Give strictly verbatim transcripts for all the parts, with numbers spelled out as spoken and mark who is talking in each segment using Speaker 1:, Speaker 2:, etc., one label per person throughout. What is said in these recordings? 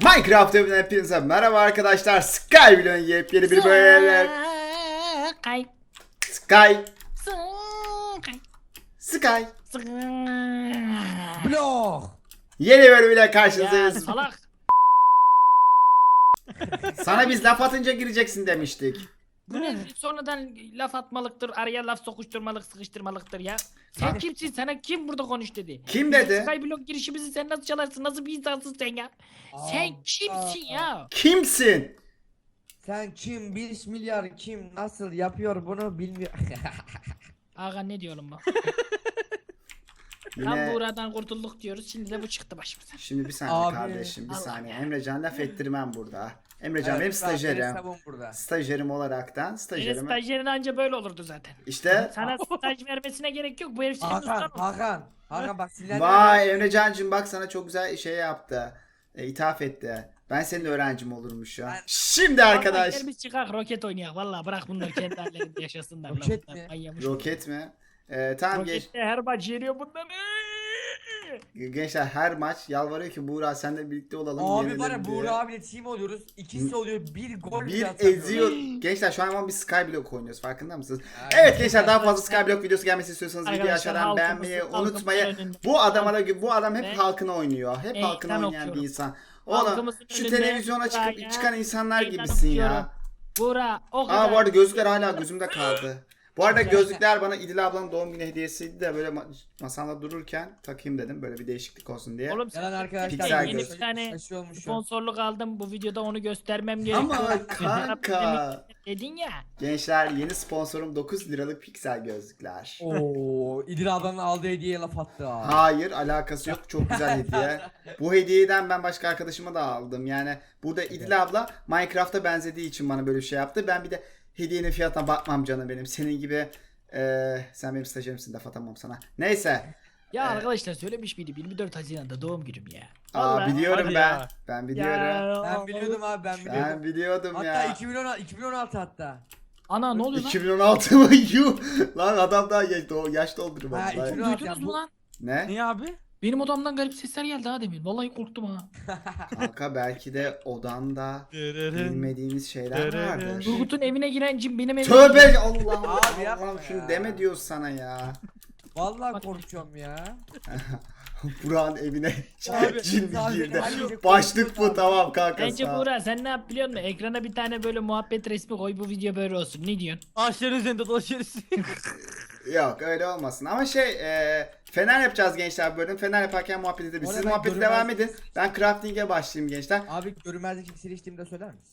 Speaker 1: Minecraft evinden hepinize merhaba arkadaşlar. Skyblock'un yepyeni bir bölümü.
Speaker 2: Sky.
Speaker 1: Sky.
Speaker 2: Sky.
Speaker 1: Sky.
Speaker 2: Sky.
Speaker 3: Blok.
Speaker 1: Yeni bölümüyle
Speaker 2: Ya
Speaker 1: karşınızdayız.
Speaker 2: salak.
Speaker 1: Sana biz laf atınca gireceksin demiştik.
Speaker 2: Bu ne? Sonradan laf atmalıktır, araya laf sokuşturmalık, sıkıştırmalıktır ya. Sen
Speaker 1: Ha.
Speaker 2: kimsin? Sana kim burada konuş dedi?
Speaker 1: Kim dedi?
Speaker 2: Skyblock girişimizi sen nasıl çalarsın? Nasıl bir insansın sen ya? Sen
Speaker 3: Aa,
Speaker 2: kimsin
Speaker 3: aa,
Speaker 2: ya?
Speaker 1: Kimsin?
Speaker 3: Sen kim? beş milyar kim? Nasıl yapıyor bunu bilmiyor.
Speaker 2: Aga ne diyorum bak. Tam
Speaker 1: Yine...
Speaker 2: buradan kurtulduk diyoruz. Şimdi de bu çıktı başımıza.
Speaker 1: Şimdi bir saniye
Speaker 3: Abi.
Speaker 1: kardeşim bir
Speaker 2: Allah
Speaker 1: saniye.
Speaker 2: ya.
Speaker 1: Emrecan laf ettirmem burada. Emrecan
Speaker 3: Evet,
Speaker 1: benim
Speaker 3: ben- benim
Speaker 1: stajyerim.
Speaker 3: hesabım burada.
Speaker 1: Stajyerim olaraktan
Speaker 2: Senin
Speaker 1: stajyerim.
Speaker 2: stajyerin anca böyle olurdu zaten.
Speaker 1: İşte
Speaker 2: Sana staj vermesine gerek yok. Bu herif senin
Speaker 3: Hakan,
Speaker 2: ustan olsun.
Speaker 3: Hakan. Hakan bak sinirlenme.
Speaker 1: vay Emrecancığım bak sana çok güzel şey yaptı. E, ithaf etti. Ben senin öğrencim olurmuş ya.
Speaker 3: Ben-
Speaker 1: Şimdi
Speaker 2: Vallahi
Speaker 1: arkadaş.
Speaker 2: gel biz çıkak roket oynayak. Valla bırak bunları kendi hallerinde yaşasınlar. lan
Speaker 3: Roket
Speaker 2: bunlar.
Speaker 3: mi?
Speaker 2: Manyamış.
Speaker 1: Roket mi? Ee, tamam geç.
Speaker 2: Rokette her maç yeniyor bunları.
Speaker 1: Gençler her maç yalvarıyor ki Buğra senle birlikte olalım.
Speaker 3: Abi
Speaker 1: yenelim
Speaker 3: var ya
Speaker 1: diye.
Speaker 3: Buğra abiyle team oluyoruz. İkisi oluyor. Bir gol bile
Speaker 1: Bir
Speaker 3: atamıyoruz.
Speaker 1: eziyor. Gençler şu an ama biz Skyblock oynuyoruz farkında mısınız?
Speaker 3: Aynen.
Speaker 1: Evet gençler daha fazla Skyblock videosu gelmesi istiyorsanız videoyu
Speaker 2: Arkadaşlar,
Speaker 1: aşağıdan
Speaker 2: halkımızın-
Speaker 1: beğenmeyi
Speaker 2: halkımızın
Speaker 1: unutmayın.
Speaker 2: önünde-
Speaker 1: Bu adama da bu adam hep
Speaker 2: Ve-
Speaker 1: halkına oynuyor. Hep
Speaker 2: Meydan
Speaker 1: halkına oynayan bir
Speaker 2: okuyorum.
Speaker 1: insan. Oğlum
Speaker 2: Halkımızın
Speaker 1: şu
Speaker 2: önünde
Speaker 1: televizyona çıkıp
Speaker 2: Buğra'ya
Speaker 1: çıkan insanlar
Speaker 2: meydan
Speaker 1: gibisin ya.
Speaker 2: okuyorum. Buğra o kadar.
Speaker 1: Aa bu arada gözlükler hala gözümde kaldı. Bu arada gözlükler bana İdil ablanın doğum günü hediyesiydi de böyle ma- masamda dururken takayım dedim böyle bir değişiklik olsun diye.
Speaker 2: Oğlum
Speaker 3: Yalan
Speaker 2: sen
Speaker 3: arkadaşlar.
Speaker 1: Piksel
Speaker 2: yeni
Speaker 1: göz.
Speaker 2: bir tane
Speaker 3: Şaşı olmuş ya.
Speaker 2: sponsorluk aldım. Bu videoda onu göstermem gerekiyor.
Speaker 1: Ama kanka.
Speaker 2: Dedin ya.
Speaker 1: Gençler yeni sponsorum dokuz liralık piksel gözlükler.
Speaker 3: Oo, İdil ablanın aldığı hediyeye laf attı ha.
Speaker 1: Hayır alakası yok çok güzel hediye. Bu hediyeden ben başka arkadaşıma da aldım. Yani burada İdil abla Minecraft'a benzediği için bana böyle bir şey yaptı. Ben bir de hediyenin fiyatına bakmam canım benim. Senin gibi eee, sen benim stajyerimsin laf atamam sana. Neyse.
Speaker 2: Ya
Speaker 1: Ee,
Speaker 2: arkadaşlar söylemiş miydim? yirmi dört Haziran'da doğum günüm ya.
Speaker 1: Aa
Speaker 2: Vallahi.
Speaker 1: biliyorum
Speaker 4: Hadi
Speaker 1: ben.
Speaker 4: ya.
Speaker 1: Ben biliyorum.
Speaker 2: Ya,
Speaker 3: Ben biliyordum abi ben biliyordum.
Speaker 1: Ben biliyordum
Speaker 3: Hatta
Speaker 1: ya.
Speaker 3: iki bin on altı, iki bin on altı hatta.
Speaker 2: Ana ne oluyor lan?
Speaker 1: iki bin on altı mı? Yuh. Lan adam daha yaş, do- yaş doldurmadı.
Speaker 3: Ha,
Speaker 1: lan.
Speaker 3: iki bin on altı
Speaker 2: Duydunuz
Speaker 3: ya,
Speaker 2: mu
Speaker 3: bu-
Speaker 2: lan?
Speaker 1: Ne?
Speaker 4: Niye abi?
Speaker 2: Benim odamdan garip sesler geldi ha demin. Vallahi korktum ha.
Speaker 1: Kanka belki de odanda bilmediğimiz şeyler vardır.
Speaker 2: Turgut'un evine giren cin benim evime
Speaker 1: Tövbe
Speaker 2: giriyor.
Speaker 1: Allah
Speaker 3: Abi
Speaker 1: Allah
Speaker 3: yapma
Speaker 1: Allah'ım şunu
Speaker 3: ya.
Speaker 1: deme diyoruz sana ya.
Speaker 3: Vallahi korkuyorum ya.
Speaker 1: Burak'ın evine
Speaker 4: Abi,
Speaker 1: cin
Speaker 3: abi,
Speaker 1: girdi.
Speaker 3: abi,
Speaker 1: Başlık bu
Speaker 3: abi.
Speaker 1: tamam kanka.
Speaker 2: Bence
Speaker 1: sağ ol.
Speaker 2: Buğra sen ne yap biliyor musun? Ekrana bir tane böyle muhabbet resmi koy bu video böyle olsun. Ne diyorsun?
Speaker 4: Ağaçların üzerinde dolaşıyoruz.
Speaker 1: Yok öyle olmasın ama şey e, fener yapacağız gençler bu bölüm. Fener yaparken muhabbet edebiliriz. Siz
Speaker 3: Orada ben
Speaker 1: muhabbete
Speaker 3: görünmez-
Speaker 1: devam edin. Ben crafting'e başlayayım gençler.
Speaker 3: Abi görünmezlik iksiri içtiğimde söyler misin?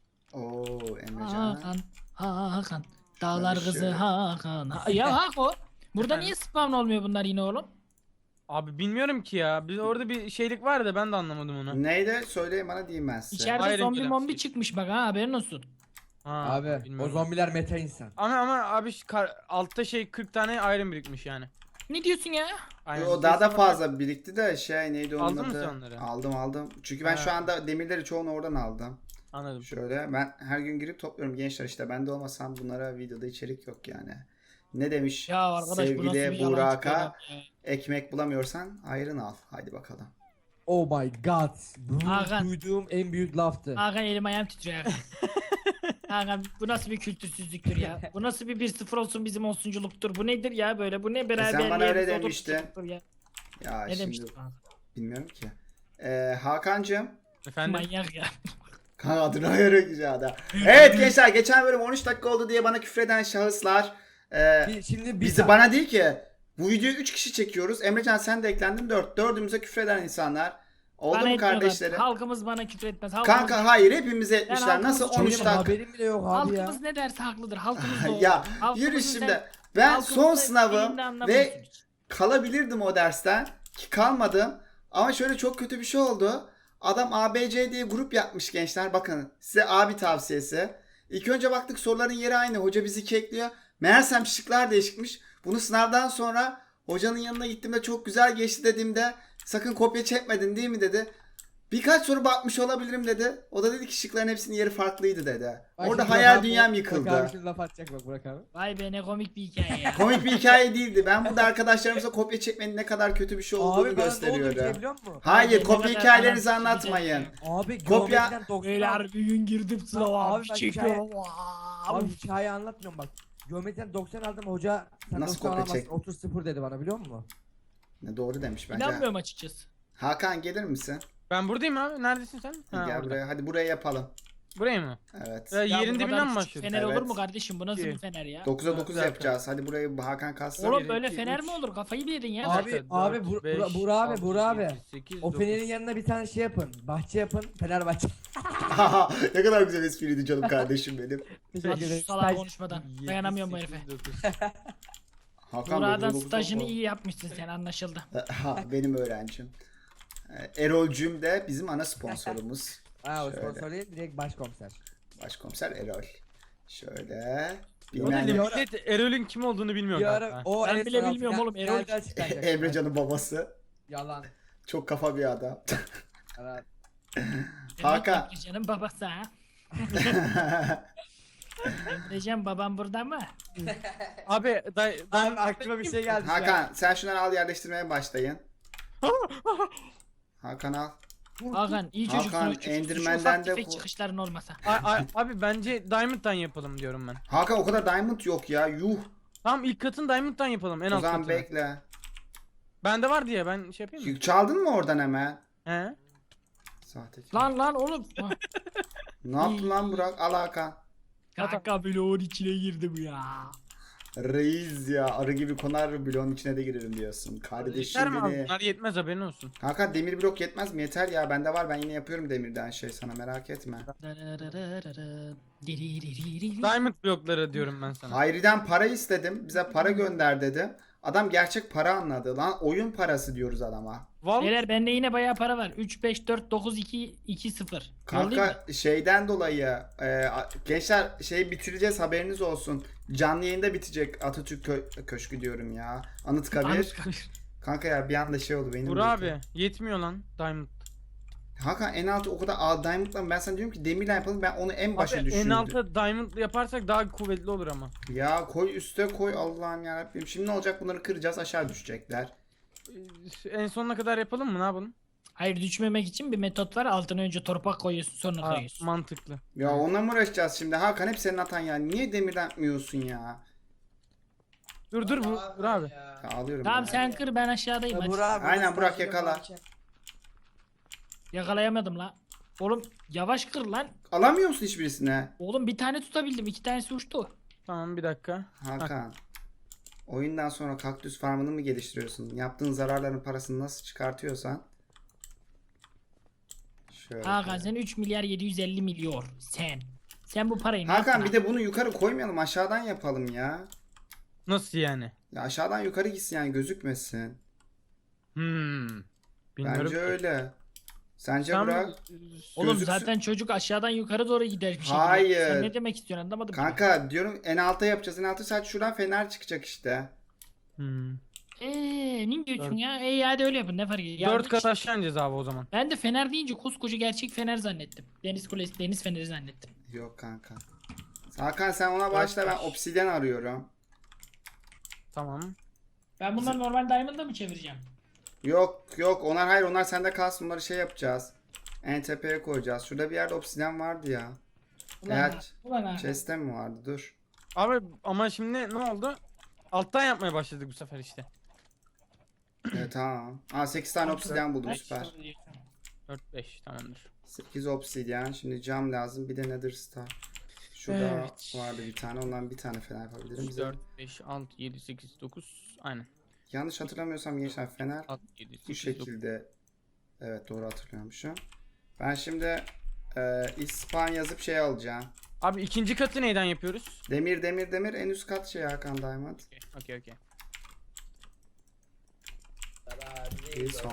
Speaker 1: Oo Emrecan.
Speaker 2: Hakan, Hakan. Dağlar
Speaker 1: Ben
Speaker 2: kızı
Speaker 1: şöyle-
Speaker 2: Hakan. Ha- ya Hako. Burada niye spawn olmuyor bunlar yine oğlum?
Speaker 4: Abi bilmiyorum ki ya. Biz orada bir şeylik var da ben de anlamadım onu.
Speaker 1: Neydi? Söyleyin bana diyeyim ben size.
Speaker 2: İçeride
Speaker 4: Iron
Speaker 2: zombi
Speaker 4: Glass
Speaker 2: mombi
Speaker 4: şey.
Speaker 2: çıkmış bak ha haberin olsun.
Speaker 4: Ha,
Speaker 3: Abi o
Speaker 4: bilmiyorum.
Speaker 3: zombiler meta insan.
Speaker 4: Ama ama abi şu kar- altta şey kırk tane iron birikmiş yani.
Speaker 2: Ne diyorsun ya?
Speaker 4: Aynen.
Speaker 1: O daha da
Speaker 4: Kesin
Speaker 1: fazla birikti de şey neydi onun
Speaker 4: Aldın mı
Speaker 1: adı?
Speaker 4: sen onları?
Speaker 1: Aldım aldım. Çünkü ben
Speaker 4: Ha.
Speaker 1: şu anda demirleri çoğunu oradan aldım.
Speaker 4: Anladım.
Speaker 1: Şöyle ben her gün girip topluyorum gençler işte ben de olmasam bunlara videoda içerik yok yani. Ne demiş
Speaker 2: Ya arkadaş bu nasıl bir
Speaker 1: sevgili
Speaker 2: yalan
Speaker 1: Burak'a
Speaker 2: çıkıyor ya?
Speaker 1: ekmek bulamıyorsan ayrın al. Haydi bakalım.
Speaker 3: Oh my god. Bu
Speaker 2: Hakan.
Speaker 3: duyduğum en büyük laftı.
Speaker 2: Hakan elim ayağım titriyor Hakan. Hakan bu nasıl bir kültürsüzlüktür ya? Bu nasıl bir bir sıfır olsun bizim olsunculuktur? Bu nedir ya böyle? Bu ne beraber
Speaker 1: sen bana öyle
Speaker 2: yerimiz
Speaker 1: demiştin.
Speaker 2: oturtuluktur ya?
Speaker 1: Ya
Speaker 2: Ne
Speaker 1: şimdi
Speaker 2: demiştin Hakan?
Speaker 1: bilmiyorum ki. Ee, Hakan'cığım.
Speaker 4: Efendim?
Speaker 2: Manyak ya.
Speaker 1: Kanka adını ayarıyor güzel adam. Evet gençler geçen bölüm on üç dakika oldu diye bana küfreden şahıslar. E,
Speaker 3: Şi- Şimdi bir
Speaker 1: bizi
Speaker 3: sa-
Speaker 1: bana değil ki. Bu videoyu üç kişi çekiyoruz. Emrecan sen de eklendin dört. Dördümüze küfreden insanlar. Oldu
Speaker 2: Bana
Speaker 1: mu
Speaker 2: etmiyorlar.
Speaker 1: kardeşlerim?
Speaker 2: Halkımız bana küfür etmez. Halkımız,
Speaker 1: Kanka hayır hepimize etmişler.
Speaker 2: halkımız
Speaker 1: Nasıl
Speaker 2: çok
Speaker 1: on üç
Speaker 3: Benim
Speaker 1: dakika?
Speaker 3: haberim bile yok abi ya.
Speaker 2: halkımız ne derse haklıdır. Halkımız doğru.
Speaker 1: Ya
Speaker 2: Halkımızın
Speaker 1: yürü
Speaker 2: sen-
Speaker 1: şimdi. Ben
Speaker 2: halkımızın
Speaker 1: son
Speaker 2: sen
Speaker 1: sınavım
Speaker 2: şeyini anlamıyorsun
Speaker 1: ve
Speaker 2: hiç.
Speaker 1: kalabilirdim o dersten ki kalmadım. Ama şöyle çok kötü bir şey oldu. Adam A B C diye grup yapmış gençler. Bakın size abi tavsiyesi. İlk önce baktık soruların yeri aynı. Hoca bizi kekliyor. Meğersem şıklar değişikmiş. Bunu sınavdan sonra hocanın yanına gittiğimde çok güzel geçti dediğimde sakın kopya çekmedin değil mi dedi. Birkaç soru bakmış olabilirim dedi. O da dedi ki şıkların hepsinin yeri farklıydı dedi.
Speaker 3: Bak
Speaker 1: Orada
Speaker 3: şimdi
Speaker 1: hayal
Speaker 3: Burak abi-
Speaker 1: dünyam
Speaker 3: Burak
Speaker 1: yıkıldı.
Speaker 3: abi şimdi laf atacak bak Burak abi.
Speaker 2: Vay be ne komik bir hikaye ya.
Speaker 1: Komik bir hikaye değildi. Ben burada arkadaşlarımıza kopya çekmenin ne kadar kötü bir şey olduğunu
Speaker 3: Abi ben ne oldu bir şey
Speaker 1: gösteriyorum.
Speaker 3: biliyor musun?
Speaker 1: Hayır,
Speaker 2: Ne
Speaker 1: kopya
Speaker 2: kadar
Speaker 1: hikayelerinizi
Speaker 2: anlamsız
Speaker 1: anlatmayın.
Speaker 3: Abi
Speaker 1: Kopya-
Speaker 3: geometriden doksan
Speaker 2: Beyler bir gün girdim sınava
Speaker 3: Abi
Speaker 2: abi
Speaker 3: bak
Speaker 2: çekiyorum.
Speaker 3: Abi
Speaker 2: Wow.
Speaker 3: hikaye anlatmıyorum bak. Geometriden doksan aldım hoca sen
Speaker 1: Nasıl
Speaker 3: doksan
Speaker 1: kopya
Speaker 3: alamazsın
Speaker 1: çek-
Speaker 3: otuz sıfır dedi bana biliyor musun?
Speaker 1: Ne doğru demiş bence.
Speaker 2: İnanmıyorum açıkçası.
Speaker 1: Hakan gelir misin?
Speaker 4: Ben buradayım abi. Neredesin sen? Ha,
Speaker 1: Gel
Speaker 4: orada.
Speaker 1: buraya. Hadi buraya yapalım.
Speaker 4: Buraya mı?
Speaker 1: Evet.
Speaker 4: Ya,
Speaker 2: Ya bu
Speaker 4: yerin
Speaker 2: kadar
Speaker 4: dibinden mi
Speaker 2: küçük
Speaker 4: başlıyorsun?
Speaker 2: Fener olur
Speaker 1: Evet.
Speaker 2: mu kardeşim? Bu nasıl
Speaker 4: İyi.
Speaker 2: bir fener ya?
Speaker 1: dokuza dokuz
Speaker 4: Zaten.
Speaker 1: yapacağız. Hadi burayı Hakan kalsın.
Speaker 2: Oğlum
Speaker 4: bir,
Speaker 2: böyle
Speaker 4: iki,
Speaker 2: fener
Speaker 4: üç.
Speaker 2: mi olur? Kafayı mı yedin ya?
Speaker 3: Abi,
Speaker 4: Dört,
Speaker 3: abi,
Speaker 4: dört,
Speaker 3: Bur-
Speaker 4: beş,
Speaker 3: Bura- Burak abi,
Speaker 4: altı,
Speaker 3: Burak abi.
Speaker 4: yedi, sekiz,
Speaker 3: O
Speaker 4: dokuz.
Speaker 3: fenerin yanına bir tane şey yapın. Bahçe yapın. Fenerbahçe.
Speaker 1: Ne kadar güzel espriydi canım kardeşim benim.
Speaker 3: Teşekkür
Speaker 2: Hadi
Speaker 3: ederim.
Speaker 2: şu salak
Speaker 3: Staj-
Speaker 2: konuşmadan.
Speaker 4: Yedi,
Speaker 2: Dayanamıyorum bu
Speaker 4: sekiz,
Speaker 2: herife.
Speaker 4: dokuz.
Speaker 1: Hakan
Speaker 2: Burak'dan
Speaker 1: dokuz dokuz
Speaker 2: stajını
Speaker 1: dokuz.
Speaker 2: iyi yapmışsın sen anlaşıldı.
Speaker 1: Ha, benim öğrencim. Ee, Erol'cüm de bizim ana sponsorumuz.
Speaker 3: Ha o
Speaker 1: Şöyle.
Speaker 3: sponsor değil direkt başkomiser.
Speaker 1: Başkomiser Erol. Şöyle.
Speaker 4: O da
Speaker 1: Bilmem ne.
Speaker 4: millet Erol'ün kim olduğunu bilmiyor
Speaker 3: Bir
Speaker 4: kanka.
Speaker 3: ara o
Speaker 2: Ben
Speaker 3: en
Speaker 2: bile
Speaker 3: son
Speaker 2: bilmiyorum
Speaker 3: final-
Speaker 2: oğlum, Erol-
Speaker 3: finalde açıklanacak.
Speaker 1: Emrecan'ın babası.
Speaker 3: Yalan.
Speaker 1: Çok kafa bir adam.
Speaker 3: Yalan.
Speaker 1: Hakan.
Speaker 2: Emrecan'ın babası ha. Emrecan babam burada mı?
Speaker 4: Abi day,
Speaker 3: Abi aklıma bir şey geldi. şu an.
Speaker 1: Hakan sen şunları al yerleştirmeye başlayın. Hakan al.
Speaker 2: Hakan iyi çocuksun.
Speaker 1: Hakan,
Speaker 2: iyi çocuksun. Şu
Speaker 1: Enderman'den
Speaker 2: ufak
Speaker 1: de
Speaker 2: tefek
Speaker 1: bu-
Speaker 2: çıkışların olmasa.
Speaker 4: A- a- abi bence Diamond'dan yapalım diyorum ben.
Speaker 1: Hakan o kadar diamond yok ya. Yuh.
Speaker 4: Tamam ilk katın Diamond'dan yapalım en
Speaker 1: O
Speaker 4: alt
Speaker 1: zaman
Speaker 4: katını.
Speaker 1: bekle.
Speaker 4: Bende var diye ben şey yapayım mı?
Speaker 1: Çaldın mı oradan hemen?
Speaker 4: He?
Speaker 1: Sahtekar.
Speaker 2: Lan lan oğlum.
Speaker 1: Ne yaptın lan Burak? Al Hakan.
Speaker 2: Kanka bloğun içine girdi bu ya.
Speaker 1: Reis ya arı gibi konar bloğun içine de girerim diyorsun.
Speaker 4: Yeter
Speaker 1: Kardeşim
Speaker 4: mi abi?
Speaker 1: beni.
Speaker 4: Bunlar yetmez haberin olsun.
Speaker 1: Hakan demir blok yetmez mi? Yeter ya bende var ben yine yapıyorum demirden şey sana merak etme.
Speaker 4: Diamond blokları diyorum ben sana.
Speaker 1: Hayri'den para istedim. Bize para gönder dedi. Adam gerçek para anladı. Lan oyun parası diyoruz adama.
Speaker 4: Val
Speaker 2: Beyler bende yine bayağı para var. üç, beş, dört, dokuz, iki, iki, sıfır. Yollayayım mı?
Speaker 1: Kanka şeyden dolayı e, a- gençler şey bitireceğiz haberiniz olsun. Canlı yayında bitecek Atatürk Kö- Köşkü diyorum ya. Anıtkabir.
Speaker 2: Anıtkabir.
Speaker 1: Kanka ya bir anda şey oldu benim.
Speaker 4: Burak
Speaker 1: de.
Speaker 4: abi yetmiyor lan Diamond.
Speaker 1: Hakan en altı o kadar a, diamond'la ben sana diyorum ki demirle yapalım ben onu en başa
Speaker 4: Abi en
Speaker 1: düşürdüm.
Speaker 4: alta Diamond yaparsak daha kuvvetli olur ama.
Speaker 1: Ya koy üste koy Allah'ım yarabbim. Şimdi ne olacak bunları kıracağız aşağı düşecekler.
Speaker 4: Ee, En sonuna kadar yapalım mı ne yapalım?
Speaker 2: Hayır düşmemek için bir metot var. Altına önce torpak koyuyorsun sonra
Speaker 4: Ha,
Speaker 2: koyuyorsun.
Speaker 4: mantıklı.
Speaker 1: Ya onunla mı uğraşacağız şimdi? Hakan hep senin hatan ya. Niye demirden yapmıyorsun ya?
Speaker 4: Dur dur bu Burak abi.
Speaker 1: Ya alıyorum.
Speaker 2: Tamam
Speaker 1: ya.
Speaker 2: sen kır ben aşağıdayım.
Speaker 3: Ya
Speaker 2: hadi.
Speaker 3: Burak abi,
Speaker 1: Aynen,
Speaker 3: bu
Speaker 1: Burak
Speaker 3: stajı
Speaker 1: yakala.
Speaker 3: yaparken-
Speaker 2: Yakalayamadım la. Oğlum yavaş kır lan.
Speaker 1: Alamıyor musun hiçbirisine?
Speaker 2: Oğlum bir tane tutabildim. iki tanesi uçtu.
Speaker 4: Tamam bir dakika.
Speaker 1: Hakan. Oyundan sonra kaktüs farmını mı geliştiriyorsun? Yaptığın zararların parasını nasıl çıkartıyorsan. Şöyle.
Speaker 2: Hakan sen üç milyar yedi yüz elli milyon. Sen. Sen bu parayı ne
Speaker 1: Hakan
Speaker 2: yaptın
Speaker 1: bir de bunu yukarı koymayalım aşağıdan yapalım ya.
Speaker 4: Nasıl yani?
Speaker 1: Ya aşağıdan yukarı gitsin yani gözükmesin.
Speaker 4: Hmm. Bilmiyorum.
Speaker 1: Bence öyle. Sence
Speaker 4: Sen-
Speaker 1: Burak?
Speaker 2: Oğlum
Speaker 1: Gözüksün-
Speaker 2: zaten çocuk aşağıdan yukarı doğru gider bir şekilde.
Speaker 1: Hayır.
Speaker 2: Sen ne demek istiyorsun anlamadım. ki.
Speaker 1: Kanka diyorum en alta yapacağız. En alta sadece şuradan fener çıkacak işte.
Speaker 4: Hmm.
Speaker 2: Eee ne diyorsun ya? Ey hadi öyle yapın ne fark ediyor. Ya
Speaker 4: Dört
Speaker 2: bu-
Speaker 4: kat aşağı ineceğiz abi o zaman.
Speaker 2: Ben de fener deyince koskoca gerçek fener zannettim. Deniz kulesi, deniz feneri zannettim.
Speaker 1: Yok kanka. Hakan sen ona başla ben obsidyen arıyorum.
Speaker 4: Tamam.
Speaker 2: Ben bunları normal diamond'da mı çevireceğim?
Speaker 1: Yok yok onlar hayır onlar sende kalsın onları şey yapacağız. En tepeye koyacağız. Şurada bir yerde obsidyen vardı ya.
Speaker 2: Ulan
Speaker 1: Eğer
Speaker 2: ha, ulan ha.
Speaker 1: chest'te mi vardı? Dur.
Speaker 4: Abi ama şimdi ne oldu? Alttan yapmaya başladık bu sefer işte.
Speaker 1: Evet tamam. Aa sekiz tane obsidyen buldum
Speaker 2: Kaç
Speaker 1: süper.
Speaker 2: soru diyorsun?
Speaker 4: dört beş tamamdır.
Speaker 1: sekiz obsidyen. Şimdi cam lazım. Bir de nether star. Şurada
Speaker 4: Evet.
Speaker 1: vardı bir tane. Ondan bir tane fener yapabilirim. Bize...
Speaker 4: dört beş altı yedi sekiz dokuz aynen.
Speaker 1: Yanlış hatırlamıyorsam gençler fener
Speaker 4: altı yedi
Speaker 1: bu
Speaker 4: sekiz dokuz.
Speaker 1: şekilde. Evet doğru hatırlıyormuşum. Ben şimdi e, İspan yazıp şey alacağım.
Speaker 4: Abi ikinci katı neyden yapıyoruz?
Speaker 1: Demir demir demir en üst kat şey Hakan Diamond.
Speaker 4: Okey okey.
Speaker 1: İyi son.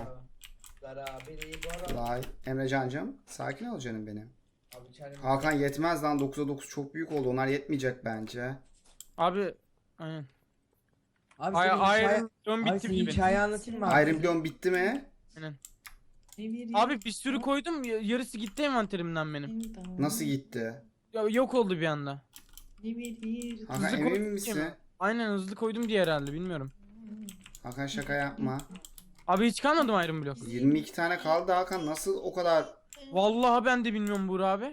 Speaker 1: Vay Emrecancığım sakin ol canım benim. Hakan yetmez lan dokuza dokuz çok büyük oldu. Onlar yetmeyecek bence.
Speaker 4: Abi aynen.
Speaker 3: Abi
Speaker 4: Ay
Speaker 3: senin hikaye,
Speaker 4: Iron Throne
Speaker 3: abi
Speaker 4: bitti
Speaker 3: senin
Speaker 4: gibi.
Speaker 3: hikaye anlatayım mı abi?
Speaker 1: Iron Bloom bitti mi?
Speaker 4: Aynen. Abi bir sürü koydum, y- yarısı gitti envanterimden benim.
Speaker 1: Nasıl gitti?
Speaker 4: Ya, yok oldu bir anda.
Speaker 1: Hakan
Speaker 4: Hızlı
Speaker 1: emin
Speaker 4: koydum
Speaker 1: misin?
Speaker 4: diye mi? Aynen hızlı koydum diye herhalde, bilmiyorum.
Speaker 1: Hakan şaka yapma.
Speaker 4: Abi hiç kalmadı mı Iron Block?
Speaker 1: yirmi iki tane kaldı Hakan, nasıl o kadar?
Speaker 4: Vallahi ben de bilmiyorum Buğra abi.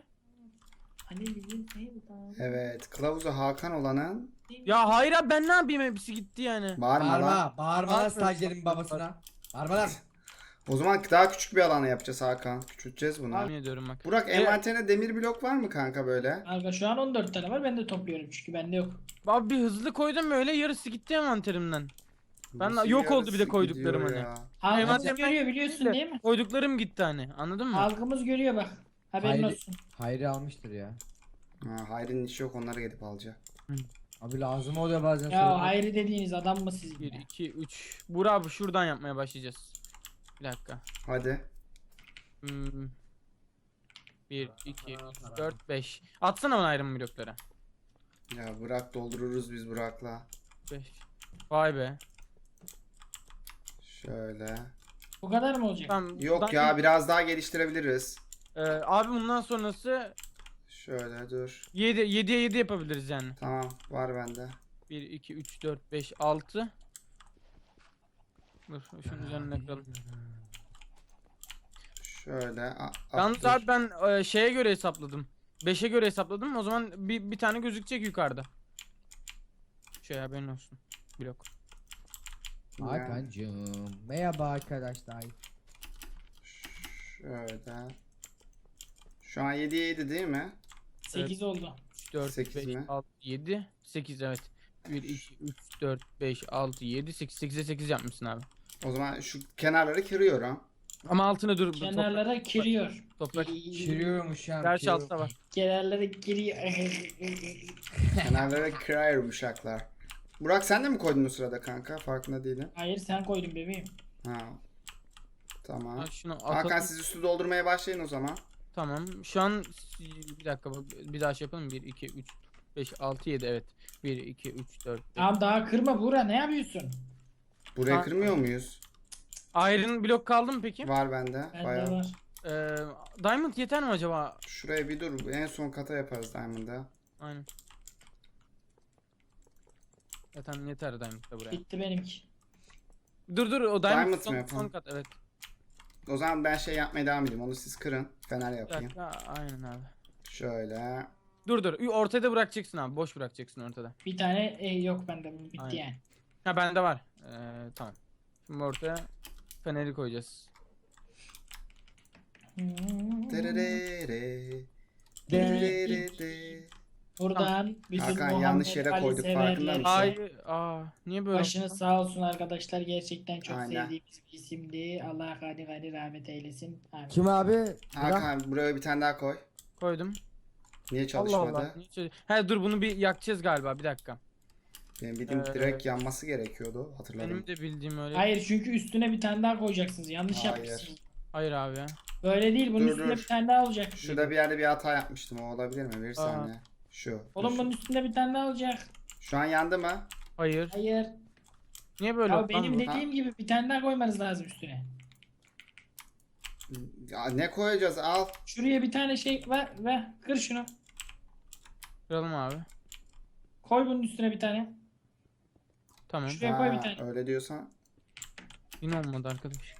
Speaker 1: Evet, kılavuzu Hakan olanın.
Speaker 4: Ya hayır abi, ben ne yapayım, hepsi gitti yani.
Speaker 1: Bağırma lan.
Speaker 3: Bağırma. Bağırma lan
Speaker 4: Bağırma.
Speaker 3: stajyerin babasına. Bağırma lan.
Speaker 1: O zaman daha küçük bir alana yapacağız Hakan. Küçülteceğiz bunu.
Speaker 4: Yemin ediyorum bak.
Speaker 1: Burak, envanterine demir blok var mı kanka böyle?
Speaker 2: Kanka şu an on dört tane var, ben de topluyorum çünkü bende yok.
Speaker 4: Abi bir hızlı koydum böyle, yarısı gitti envanterimden. Ben
Speaker 1: Nasıl
Speaker 4: yok oldu bir de
Speaker 1: yarısı
Speaker 4: koyduklarım
Speaker 1: gidiyor
Speaker 4: hani.
Speaker 1: ya?
Speaker 2: Halkımız
Speaker 4: Envanterimden
Speaker 2: görüyor biliyorsun değil mi?
Speaker 4: Koyduklarım gitti hani, anladın mı?
Speaker 2: Halkımız görüyor bak. Haberin
Speaker 3: Hayır.
Speaker 2: olsun.
Speaker 3: Hayri almıştır ya.
Speaker 1: Ha, Hayri'nin işi yok, onları gidip alacak.
Speaker 3: Abi lazım oluyor bazen.
Speaker 2: Ya
Speaker 3: sonra.
Speaker 2: ayrı dediğiniz adam mı siz?
Speaker 4: bir,
Speaker 2: ya?
Speaker 4: iki, üç. Buğra abi şuradan yapmaya başlayacağız. Bir dakika.
Speaker 1: Hadi.
Speaker 4: Hmm. bir, iki, üç, dört, beş. Atsana bana Iron blokları.
Speaker 1: Ya bırak, doldururuz biz Burak'la.
Speaker 4: beş. Vay be.
Speaker 1: Şöyle.
Speaker 2: Bu kadar mı olacak?
Speaker 4: Tamam.
Speaker 1: Yok
Speaker 4: buradan-
Speaker 1: ya, biraz daha geliştirebiliriz.
Speaker 4: Ee, abi bundan sonrası
Speaker 1: Şöyle dur.
Speaker 4: yedi, yediye yedi yapabiliriz yani.
Speaker 1: Tamam, var bende.
Speaker 4: bir, iki, üç, dört, beş, altı. Dur şunun üzerine kıralım.
Speaker 1: Şöyle. a- a-
Speaker 4: Yalnız
Speaker 1: dur.
Speaker 4: abi ben e, şeye göre hesapladım. beşe göre hesapladım. O zaman bir, bir tane gözükecek yukarıda. Şey haberin olsun. Blok.
Speaker 3: Hakan'cığım. Merhaba arkadaşlar.
Speaker 1: Şöyle. Şu an yediye yedi değil mi?
Speaker 2: sekiz oldu.
Speaker 4: üç, dört,
Speaker 1: Sekiz
Speaker 4: beş,
Speaker 1: mi?
Speaker 4: altı, yedi. sekiz evet. bir, iki, üç, dört, beş, altı, yedi, sekiz. sekize sekiz yapmışsın abi.
Speaker 1: O zaman şu kenarları kırıyorum.
Speaker 4: Ama altına dur.
Speaker 2: Kenarlara kiriyor.
Speaker 4: Toprak.
Speaker 3: Şiriyormuş ya.
Speaker 4: Gerçi altta var.
Speaker 2: Kenarlara kiriyor.
Speaker 1: Kenarları kırıyorum uşaklar. Burak, sen de mi koydun o sırada kanka? Farkında değilim.
Speaker 2: Hayır sen koydun bebeğim.
Speaker 1: Ha. Tamam.
Speaker 4: Ha, şunu atalım.
Speaker 1: Hakan, siz üstü doldurmaya başlayın o zaman.
Speaker 4: Tamam. Şu an bir dakika bak, bir daha şey yapalım. bir, iki, üç, beş, altı, yedi evet. bir, iki, üç, dört, beş.
Speaker 2: Tamam daha kırma Buğra, ne yapıyorsun?
Speaker 1: Burayı
Speaker 4: Ha.
Speaker 1: kırmıyor muyuz?
Speaker 4: Iron blok kaldı mı peki?
Speaker 1: Var bende.
Speaker 2: Bende
Speaker 1: Bayağı.
Speaker 2: var.
Speaker 4: Ee, Diamond yeter mi acaba?
Speaker 1: Şuraya bir dur. En son kata yaparız Diamond'da.
Speaker 4: Aynen. Zaten yeter Diamond da buraya.
Speaker 2: Bitti benimki.
Speaker 4: Dur dur o Diamond,
Speaker 1: Diamond mı
Speaker 4: son,
Speaker 1: yapalım?
Speaker 4: son kat evet.
Speaker 1: O zaman ben şey yapmaya devam edeyim. Onu siz kırın. Fener
Speaker 4: Bir
Speaker 1: yapayım.
Speaker 4: dakika, aynen abi.
Speaker 1: Şöyle.
Speaker 4: Dur dur ortada bırakacaksın abi, boş bırakacaksın ortada.
Speaker 2: Bir tane e, yok bende, bu bitti
Speaker 4: Aynen.
Speaker 2: yani.
Speaker 4: Ha bende var. Ee, tamam. Şimdi ortaya feneri koyacağız.
Speaker 1: Tererere. Tererere.
Speaker 2: Buradan bütün
Speaker 1: Hakan,
Speaker 2: Muhammed
Speaker 1: yanlış yere
Speaker 2: Ali
Speaker 1: koyduk, farkında
Speaker 2: severlerse
Speaker 1: mısın?
Speaker 4: Hayır. Aa niye böyle?
Speaker 2: başınız sağ olsun arkadaşlar, gerçekten çok
Speaker 1: Aynen.
Speaker 2: sevdiğimiz bir isimdi. Allah gani gani rahmet eylesin. Amin.
Speaker 3: Kim abi? Burak.
Speaker 1: Hakan, buraya bir tane daha koy.
Speaker 4: Koydum.
Speaker 1: Niye
Speaker 4: Allah
Speaker 1: çalışmadı?
Speaker 4: Allah. Niye çalış- He dur bunu bir yakacağız galiba, bir dakika.
Speaker 1: Benim bildiğim
Speaker 4: Ee,
Speaker 1: direkt yanması gerekiyordu. Hatırladım.
Speaker 4: Benim de bildiğim öyle.
Speaker 2: Hayır çünkü üstüne bir tane daha koyacaksınız. Yanlış
Speaker 1: Hayır.
Speaker 2: yapmışsınız.
Speaker 4: Hayır abi ya.
Speaker 2: Böyle değil, bunun
Speaker 1: Dur,
Speaker 2: üstünde
Speaker 1: dur.
Speaker 2: bir tane daha olacak.
Speaker 1: Şurada bir yerde bir hata yapmıştım. O olabilir mi? Bir saniye. Şu.
Speaker 2: Oğlum
Speaker 1: Dur,
Speaker 2: bunun
Speaker 1: şu.
Speaker 2: üstünde bir tane daha olacak.
Speaker 1: Şu an yandı mı?
Speaker 4: Hayır.
Speaker 2: Hayır.
Speaker 4: Niye böyle
Speaker 2: Ya
Speaker 4: oldu lan
Speaker 2: benim
Speaker 4: bu?
Speaker 2: dediğim gibi bir tane daha koymanız lazım üstüne.
Speaker 1: Ya ne koyacağız? Al.
Speaker 2: Şuraya bir tane şey ver ve kır şunu.
Speaker 4: Kıralım abi.
Speaker 2: Koy bunun üstüne bir tane.
Speaker 4: Tamam.
Speaker 2: Şuraya koy bir
Speaker 1: Ha,
Speaker 2: tane.
Speaker 1: öyle diyorsan.
Speaker 4: Yine olmadı arkadaş.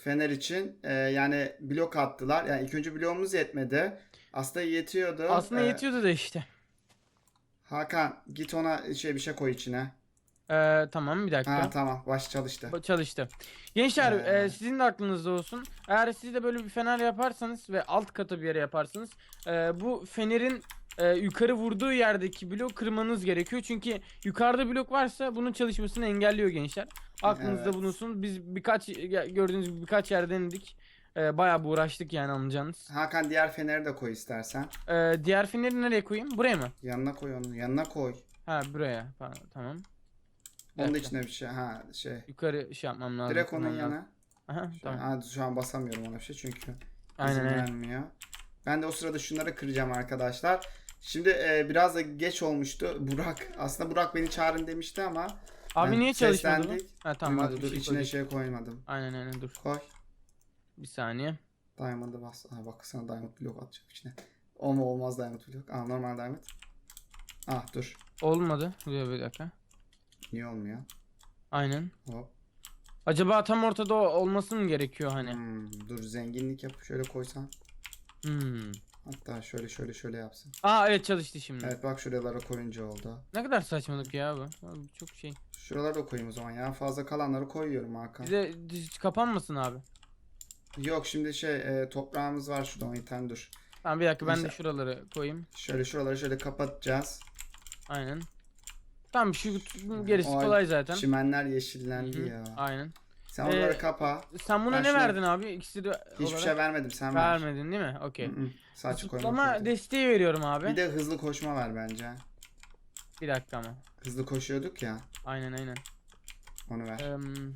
Speaker 1: fener için e, yani blok attılar. Yani ilk önce bloğumuz yetmedi. Aslında yetiyordu.
Speaker 4: Aslında
Speaker 1: Ee,
Speaker 4: yetiyordu da işte.
Speaker 1: Hakan git ona şey bir şey koy içine.
Speaker 4: Ee, tamam bir dakika.
Speaker 1: Ha tamam baş çalıştı.
Speaker 4: Bu çalıştı. Gençler
Speaker 1: Ee.
Speaker 4: e, sizin de aklınızda olsun. Eğer siz de böyle bir fener yaparsanız ve alt katı bir yere yaparsanız e, bu fenerin e, yukarı vurduğu yerdeki blok kırmanız gerekiyor. Çünkü yukarıda blok varsa bunun çalışmasını engelliyor gençler. Aklınızda
Speaker 1: Evet.
Speaker 4: bulunsun. Biz birkaç ya- gördüğünüz gibi birkaç yer denedik. E, bayağı bir uğraştık yani anlayacağınız.
Speaker 1: Hakan diğer feneri de koy istersen.
Speaker 4: E, diğer feneri nereye koyayım? Buraya mı?
Speaker 1: Yanına koy onu. Yanına koy.
Speaker 4: Ha buraya. Pardon, tamam. Bir
Speaker 1: Onun da
Speaker 4: dakika.
Speaker 1: içine bir şey. Ha şey.
Speaker 4: Yukarı şey yapmam lazım.
Speaker 1: Direkt onun
Speaker 4: kırmam lazım.
Speaker 1: yanına.
Speaker 4: Aha,
Speaker 1: Şu an,
Speaker 4: tamam.
Speaker 1: ha, şu an basamıyorum ona bir şey çünkü
Speaker 4: Aynen,
Speaker 1: izin
Speaker 4: aynen.
Speaker 1: vermiyor. Ben de o sırada şunları kıracağım arkadaşlar. Şimdi e, biraz da geç olmuştu. Burak aslında Burak beni çağırın demişti ama
Speaker 4: Abi
Speaker 1: ben
Speaker 4: niye çalışmadı bu?
Speaker 1: seslendik.
Speaker 4: Ha tamam.
Speaker 1: Duymadı,
Speaker 4: bak, bir
Speaker 1: dur
Speaker 4: şey
Speaker 1: içine
Speaker 4: koyduk.
Speaker 1: şey koymadım.
Speaker 4: Aynen aynen dur.
Speaker 1: Koy.
Speaker 4: Bir saniye.
Speaker 1: Diamond'ı bas. Ha, bak sana diamond block atacağım içine. O mu olmaz diamond block. Aa normal diamond. Ah dur.
Speaker 4: Olmadı. Dur bir dakika.
Speaker 1: Niye olmuyor?
Speaker 4: Aynen.
Speaker 1: Hop.
Speaker 4: Acaba tam ortada o- olması mı gerekiyor hani?
Speaker 1: Hmm, dur zenginlik yap. Şöyle koysan.
Speaker 4: Hmm.
Speaker 1: Hatta şöyle şöyle şöyle yapsın.
Speaker 4: Aa evet çalıştı şimdi.
Speaker 1: Evet bak şuralara koyunca oldu.
Speaker 4: Ne kadar saçmalık ya bu. Abi, çok şey.
Speaker 1: Şuralara da koyayım o zaman ya. Fazla kalanları koyuyorum Hakan.
Speaker 4: Bize hiç kapanmasın abi.
Speaker 1: Yok şimdi şey e, toprağımız var şurada on tane dur.
Speaker 4: Tamam bir dakika ben de
Speaker 1: Neyse.
Speaker 4: şuraları koyayım.
Speaker 1: Şöyle şuraları şöyle kapatacağız.
Speaker 4: Aynen. Tamam şu gerisi
Speaker 1: O
Speaker 4: kolay zaten.
Speaker 1: Çimenler yeşillendi
Speaker 4: Hı hı,
Speaker 1: ya.
Speaker 4: Aynen.
Speaker 1: Sen onları
Speaker 4: Ee,
Speaker 1: kapa.
Speaker 4: Sen buna
Speaker 1: Ben
Speaker 4: ne
Speaker 1: şuna-
Speaker 4: verdin abi? İkisi de
Speaker 1: Hiçbir
Speaker 4: olarak
Speaker 1: şey vermedim sen ver.
Speaker 4: vermedin değil mi? Okey.
Speaker 1: Hı hı, Sadece koymak
Speaker 4: Zıplama
Speaker 1: zorunda.
Speaker 4: desteği veriyorum abi.
Speaker 1: Bir de hızlı koşma ver bence.
Speaker 4: Bir dakika ama.
Speaker 1: Hızlı koşuyorduk ya.
Speaker 4: Aynen aynen.
Speaker 1: Onu ver.
Speaker 4: Em,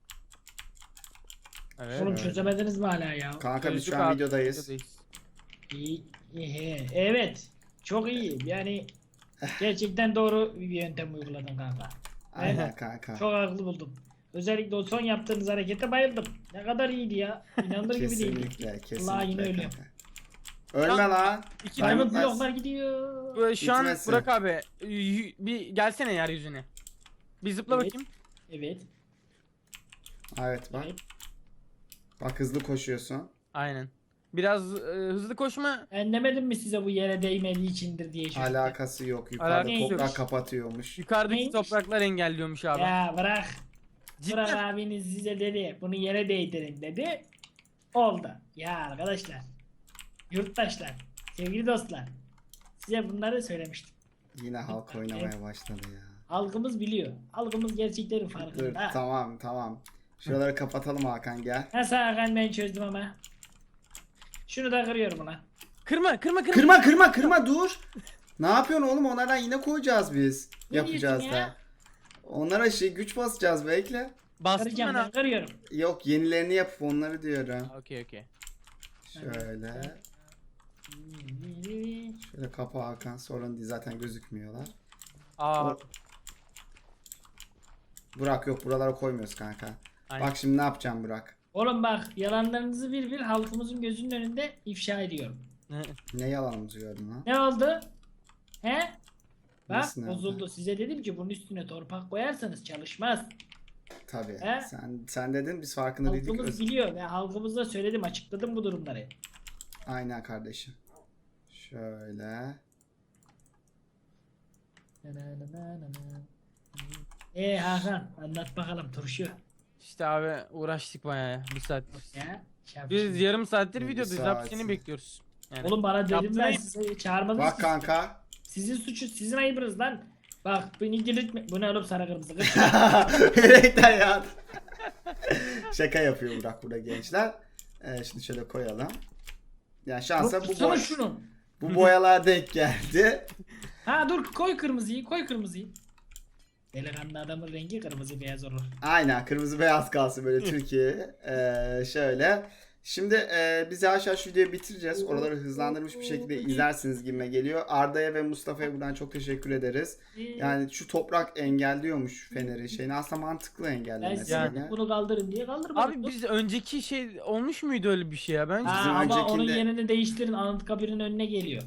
Speaker 4: Evet.
Speaker 2: Oğlum
Speaker 1: Evet.
Speaker 2: çözemediniz mi hala ya?
Speaker 1: Kanka biz
Speaker 4: Çözdük
Speaker 1: şu an
Speaker 4: abi,
Speaker 1: videodayız.
Speaker 4: videodayız.
Speaker 2: İyi, iyi, evet. Çok iyi. Yani gerçekten doğru bir yöntem uyguladın kanka.
Speaker 1: Aynen kanka.
Speaker 2: Çok haklı buldum. Özellikle o son yaptığınız harekete bayıldım. Ne kadar iyiydi ya. İnanılır gibi değil.
Speaker 1: Kesinlikle kesinlikle.
Speaker 2: Vallahi yine ölüyorum.
Speaker 1: kanka. Ölme lan.
Speaker 4: İki
Speaker 2: Diamond
Speaker 1: Diamond
Speaker 2: bloklar gidiyor.
Speaker 4: Bu- Şu an
Speaker 1: Bitmesin.
Speaker 4: Burak abi y- bir gelsene yeryüzüne. Bir zıpla
Speaker 2: Evet.
Speaker 4: bakayım.
Speaker 2: Evet.
Speaker 1: Evet bak.
Speaker 2: Evet.
Speaker 1: Bak hızlı koşuyorsun.
Speaker 4: Aynen. Biraz e, hızlı koşma.
Speaker 2: Ben demedim mi size bu yere değmediği içindir diye şu.
Speaker 1: Alakası yok. Yukarıda
Speaker 4: Alakası
Speaker 2: yok.
Speaker 1: toprak kapatıyormuş.
Speaker 4: Yukarıdaki
Speaker 2: Neymiş?
Speaker 4: topraklar engelliyormuş abi.
Speaker 2: Ya bırak.
Speaker 4: Cidden.
Speaker 2: Burak abiniz size dedi. Bunu yere değdirin dedi. Oldu. Ya arkadaşlar. Yurttaşlar. Sevgili dostlar. Size bunları söylemiştim.
Speaker 1: Yine halk oynamaya başladı ya.
Speaker 2: Halkımız biliyor. Halkımız gerçeklerin
Speaker 1: Dur
Speaker 2: farkında.
Speaker 1: tamam tamam. Şuraları kapatalım Hakan gel.
Speaker 2: Nasıl Hakan ben çözdüm ama. Şunu da kırıyorum ulan.
Speaker 4: Kırma kırma kırma.
Speaker 1: Kırma kırma kırma dur. Ne yapıyorsun oğlum? Onlardan yine koyacağız biz.
Speaker 2: Ne
Speaker 1: Yapacağız
Speaker 2: diyorsun
Speaker 1: da.
Speaker 2: ya?
Speaker 1: Onlara şey güç basacağız bekle.
Speaker 4: Bastım
Speaker 2: Kıracağım
Speaker 4: ben
Speaker 2: ben
Speaker 4: abi.
Speaker 2: kırıyorum.
Speaker 1: Yok yenilerini yapıp onları diyorum.
Speaker 4: Okey okey.
Speaker 1: Şöyle. Şöyle kapa Hakan. Sorun değil zaten gözükmüyorlar.
Speaker 4: Aa,
Speaker 1: O- Burak yok buralara koymuyoruz kanka.
Speaker 4: aynen.
Speaker 1: Bak şimdi ne yapacağım Burak?
Speaker 2: Oğlum bak yalanlarınızı bir bir halkımızın gözünün önünde ifşa ediyorum.
Speaker 1: Ne yalanımızı gördün lan?
Speaker 2: Ne oldu? He? Bak
Speaker 1: Nasıl ne
Speaker 2: bozuldu.
Speaker 1: oldu?
Speaker 2: Size dedim ki bunun üstüne torpak koyarsanız çalışmaz.
Speaker 1: Tabii.
Speaker 2: He?
Speaker 1: Sen sen dedin biz farkında değildik.
Speaker 2: Halkımız
Speaker 1: Öz-
Speaker 2: biliyor ve halkımıza söyledim açıkladım bu durumları.
Speaker 1: Aynen kardeşim. Şöyle.
Speaker 2: Eee Hakan anlat bakalım turşu.
Speaker 4: İşte abi uğraştık bayağı ya. Bir saat.
Speaker 2: Ya, şey
Speaker 4: Biz
Speaker 2: yapayım.
Speaker 4: yarım saattir
Speaker 1: Bir
Speaker 4: videodayız.
Speaker 1: saat.
Speaker 4: Abi seni bekliyoruz. Yani.
Speaker 2: Oğlum bana dedim
Speaker 4: Yaptın
Speaker 2: ben
Speaker 4: ayıp.
Speaker 2: size çağırmadınız
Speaker 1: Bak
Speaker 2: ki.
Speaker 1: kanka.
Speaker 2: Sizin suçu sizin ayıbınız lan. Bak beni delirtme. Bu ne oğlum sarı kırmızı kız.
Speaker 1: Renkler ya. Şaka yapıyor Burak burada gençler. Ee, şimdi şöyle koyalım. Yani şansa bu,
Speaker 2: Tutsana
Speaker 1: boy
Speaker 2: şunu.
Speaker 1: bu boyalar denk geldi.
Speaker 2: Ha dur koy kırmızıyı koy kırmızıyı. Delikanlı adamın rengi kırmızı beyaz olur.
Speaker 1: Aynen kırmızı beyaz kalsın böyle Türkiye. Ee, şöyle. Şimdi e, biz yavaş yavaş videoyu bitireceğiz. Oraları hızlandırmış bir şekilde izlersiniz gibime geliyor. Arda'ya ve Mustafa'ya buradan çok teşekkür ederiz. Yani şu toprak engelliyormuş feneri şeyini. Aslında mantıklı
Speaker 2: ben
Speaker 1: engellemesi.
Speaker 2: size
Speaker 4: Yani.
Speaker 1: yine.
Speaker 2: bunu kaldırın diye kaldırmadım.
Speaker 4: Abi biz önceki şey olmuş muydu öyle bir şey ya? Bence.
Speaker 2: Ha,
Speaker 1: bizim
Speaker 2: ama
Speaker 1: öncekinde-
Speaker 2: onun yerini değiştirin. Anıtkabir'in önüne geliyor.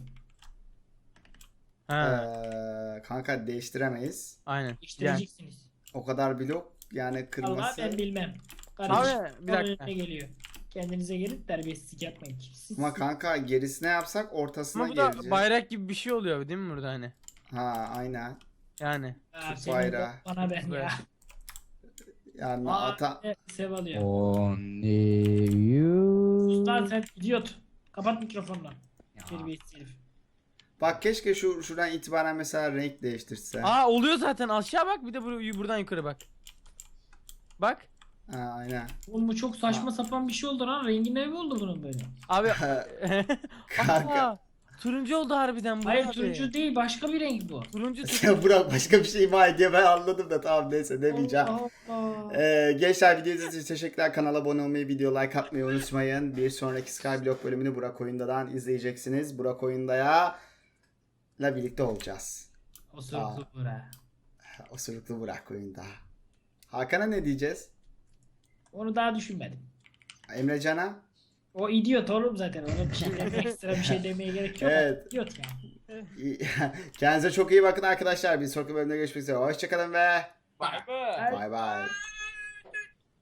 Speaker 4: Ha,
Speaker 1: Ee, kanka değiştiremeyiz.
Speaker 4: aynen. Yani,
Speaker 2: Değiştireceksiniz.
Speaker 1: O kadar blok yani
Speaker 2: Vallahi
Speaker 1: kırması.
Speaker 2: ben bilmem. Kardeşim
Speaker 4: Abi, bir
Speaker 2: onun
Speaker 4: dakika.
Speaker 2: önüne geliyor. Kendinize gelin, terbiyesizlik yapmayın. Siz-
Speaker 1: Ama kanka gerisine yapsak ortasına
Speaker 4: Ama bu da
Speaker 1: geleceğiz.
Speaker 4: bayrak gibi bir şey oluyor değil mi burada hani?
Speaker 1: Ha aynen.
Speaker 4: Yani.
Speaker 2: Aa,
Speaker 1: Türk
Speaker 2: senin
Speaker 1: bayrağı.
Speaker 2: bana ben ya.
Speaker 4: Bayrağı.
Speaker 1: Yani
Speaker 2: Aa,
Speaker 1: ata
Speaker 2: e, sev alıyor.
Speaker 3: Only you.
Speaker 2: Lan sen idiot. Kapat mikrofonunu. Terbiyesiz herif.
Speaker 1: bak keşke şu şuradan itibaren mesela renk değiştirse.
Speaker 4: Aa oluyor zaten, aşağı bak, bir de bur- buradan yukarı bak. Bak.
Speaker 1: Ha aynen.
Speaker 2: Oğlum bu çok saçma sapan bir şey oldu lan. Rengi ne oldu bunun böyle?
Speaker 4: Abi.
Speaker 1: Kanka.
Speaker 4: Aa, turuncu oldu harbiden bu
Speaker 2: Hayır
Speaker 4: abi.
Speaker 2: turuncu değil, başka bir renk bu.
Speaker 4: Turuncu
Speaker 1: Sen Burak başka bir şey ima ediyor ben anladım da tamam neyse demeyeceğim.
Speaker 2: Allah Allah.
Speaker 1: Ee, gençler videonuz için teşekkürler. Kanala abone olmayı, video like atmayı unutmayın. Bir sonraki Skyblock bölümünü Burak Oyunda'dan izleyeceksiniz. Burak Oyunda'ya ile birlikte olacağız.
Speaker 2: Osuruklu bura.
Speaker 1: Osuruklu Burak Oyunda. Hakan'a ne diyeceğiz?
Speaker 2: Onu daha düşünmedim.
Speaker 1: Emrecan'a?
Speaker 2: O idiot oğlum zaten. Ona bir şey demeye, ekstra bir şey demeye gerek yok.
Speaker 1: Evet.
Speaker 2: İdiot yani.
Speaker 1: Kendinize çok iyi bakın arkadaşlar. Bir sonraki bölümde görüşmek üzere. Hoşçakalın ve
Speaker 4: Bay bay.
Speaker 1: bay bay.